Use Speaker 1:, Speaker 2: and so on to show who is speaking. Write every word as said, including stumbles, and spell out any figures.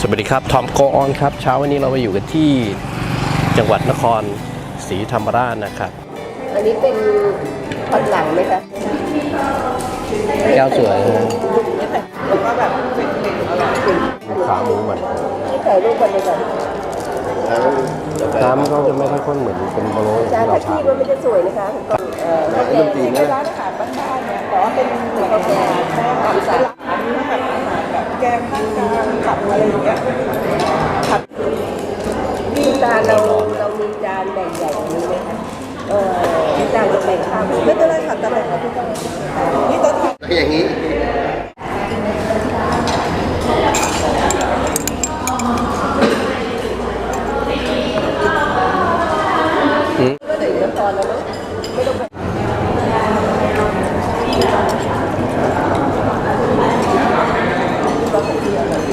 Speaker 1: วัสดีครับทอมโกออนครับเช้าวันนี้เรามาอยู่กันที่จังหวัดนครศรีธรรมราชนะครับ
Speaker 2: อันนี้เป็นผัดหลังไหมคะ
Speaker 1: แก้วสวยนะ
Speaker 2: แล้วก็แบบเป็นเมนูอร่อย
Speaker 1: ขาหมูมัน
Speaker 2: ที่ถ่ายรูปกันเลยก่อน
Speaker 1: น้ำเขาจะไม่ค่อยข้นเหมือนเป็นโบโล
Speaker 2: จาน
Speaker 1: ที่เรา
Speaker 2: ที่
Speaker 1: ทาน
Speaker 2: มันไม่จะสวยนะคะเอ่อข้าวแกงเป็นร้านอาหารบ้านๆเนี่ยแต่ว่าเป็นเหมือนข้าวแกงแค่อาหารร้านแบบอาหารแบบแกงข้าวกลางผัดอะไรอย่างเงี้ยผัดมีจานเราเรามีจานแบ่งใหญ่นี้ไหมคะเออจานจะแบ่งข้าวไม่เป็นไรค่ะแต่แบ่งกับทุกคนนี่ตัวทาน
Speaker 3: อย่างนี้